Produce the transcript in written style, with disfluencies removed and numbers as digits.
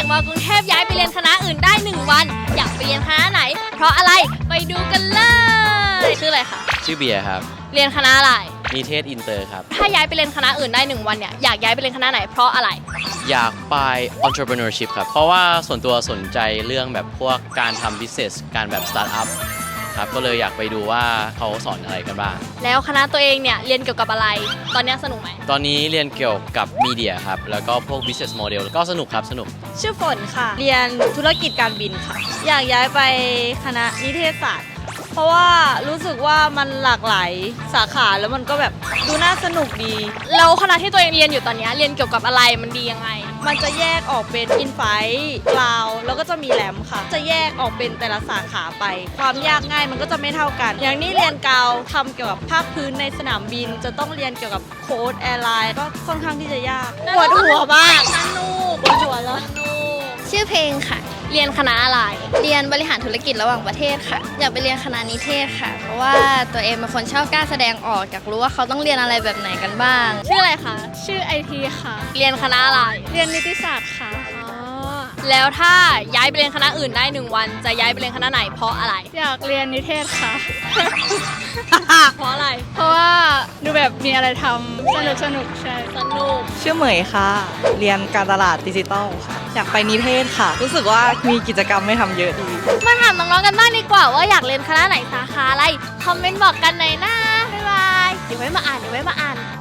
จากมากรุงเทพย้ายไปเรียนคณะอื่นได้1 วันอยากไปเรียนคณะไหนเพราะอะไรไปดูกันเลยชื่ออะไรคะชื่อเบียร์ครับเรียนคณะอะไรนิเทศอินเตอร์ครับถ้าย้ายไปเรียนคณะอื่นได้1 วันเนี่ยอยากย้ายไปเรียนคณะไหนเพราะอะไรอยากไป entrepreneurship ครับเพราะว่าส่วนตัวสนใจเรื่องแบบพวกการทำ business การแบบ start up ครับก็เลยอยากไปดูว่าเขาสอนอะไรกันบ้างแล้วคณะตัวเองเนี่ยเรียนเกี่ยวกับอะไรตอนนี้สนุกไหมตอนนี้เรียนเกี่ยวกับมีเดียครับแล้วก็พวก business model ก็สนุกครับสนุกชื่อฝนค่ะเรียนธุรกิจการบินค่ะอยากย้ายไปคณะนิเทศศาสตร์เพราะว่ารู้สึกว่ามันหลากหลายสาขาแล้วมันก็แบบดูน่าสนุกดีแล้วคณะที่ตัวเองเรียนอยู่ตอนนี้เรียนเกี่ยวกับอะไรมันดียังไงมันจะแยกออกเป็นอินไฟกลาวแล้วก็จะมีแหลมค่ะจะแยกออกเป็นแต่ละสาขาไปความยากง่ายมันก็จะไม่เท่ากันอย่างนี้เรียนกาวทำเกี่ยวกับภาคพื้นในสนามบินจะต้องเรียนเกี่ยวกับโค้ดแอร์ไลน์ก็ค่อนข้างที่จะยากปวดหัวมากสนุกปวดหัวแล้วชื่อเพลงค่ะเรียนคณะอะไรเรียนบริหารธุรกิจระหว่างประเทศค่ะอยากไปเรียนคณะนิเทศค่ะเพราะว่าตัวเองเป็นคนชอบกล้าแสดงออกอยากรู้ว่าเขาต้องเรียนอะไรแบบไหนกันบ้างชื่ออะไรคะชื่อไอทีค่ะเรียนคณะอะไรเรียนนิติศาสตร์ค่ะแล้วถ้าย้ายไปเรียนคณะอื่นได้1 วันจะย้ายไปเรียนคณะไหนเพราะอะไรอยากเรียนนิเทศค่ะเพราะอะไรเพราะว่าดูแบบมีอะไรทำสนุกใช่สนุกชื่อเหมยค่ะเรียนการตลาดดิจิตอลค่ะอยากไปนิเทศค่ะรู้สึกว่ามีกิจกรรมให้ทำเยอะดีมาถามน้องๆกันบ้างดีกว่าว่าอยากเรียนคณะไหนสาขาอะไรคอมเมนต์บอกกันหน่อยนะบ๊ายบายเดี๋ยวไว้มาอ่าน